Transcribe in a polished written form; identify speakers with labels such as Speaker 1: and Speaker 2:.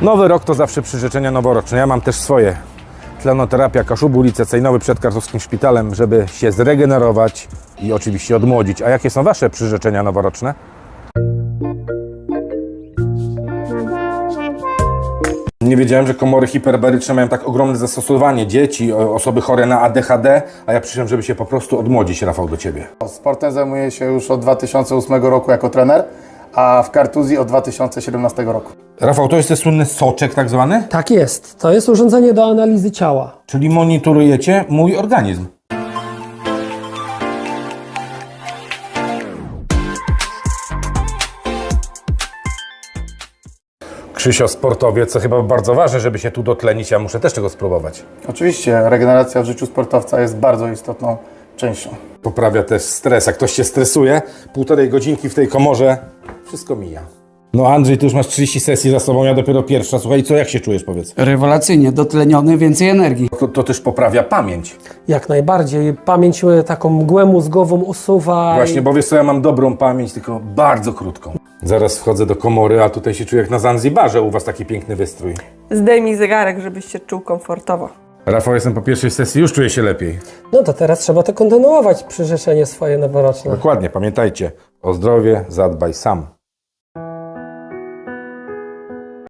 Speaker 1: Nowy rok to zawsze przyrzeczenia noworoczne. Ja mam też swoje. Tlenoterapia Kaszubu, ulica Cejnowy przed Kartowskim Szpitalem, żeby się zregenerować i oczywiście odmłodzić. A jakie są Wasze przyrzeczenia noworoczne? Nie wiedziałem, że komory hiperbaryczne mają tak ogromne zastosowanie. Dzieci, osoby chore na ADHD, a ja przyszedłem, żeby się po prostu odmłodzić, Rafał, do Ciebie.
Speaker 2: Sportem zajmuję się już od 2008 roku jako trener, a w kartuzji od 2017 roku.
Speaker 1: Rafał, to jest ten słynny soczek tak zwany?
Speaker 3: Tak jest. To jest urządzenie do analizy ciała.
Speaker 1: Czyli monitorujecie mój organizm. Krzysio, sportowiec, co chyba bardzo ważne, żeby się tu dotlenić, ja muszę też tego spróbować.
Speaker 2: Oczywiście regeneracja w życiu sportowca jest bardzo istotną częścią.
Speaker 1: Poprawia też stres. Jak ktoś się stresuje, 1,5 godzinki w tej komorze, wszystko mija. No Andrzej, ty już masz 30 sesji za sobą, ja dopiero pierwsza. Słuchaj, co, jak się czujesz, powiedz?
Speaker 4: Rewelacyjnie, dotleniony, więcej energii.
Speaker 1: To też poprawia pamięć.
Speaker 3: Jak najbardziej. Pamięć taką mgłę mózgową usuwa.
Speaker 1: Właśnie, bo wiesz co, ja mam dobrą pamięć, tylko bardzo krótką. Zaraz wchodzę do komory, a tutaj się czuję jak na Zanzibarze, u was taki piękny wystrój.
Speaker 5: Zdejmij zegarek, żebyś się czuł komfortowo.
Speaker 1: Rafał, jestem po pierwszej sesji, już czuję się lepiej.
Speaker 3: No to teraz trzeba to kontynuować, przyrzeczenie swoje noworoczne.
Speaker 1: Dokładnie, pamiętajcie, o zdrowie zadbaj sam.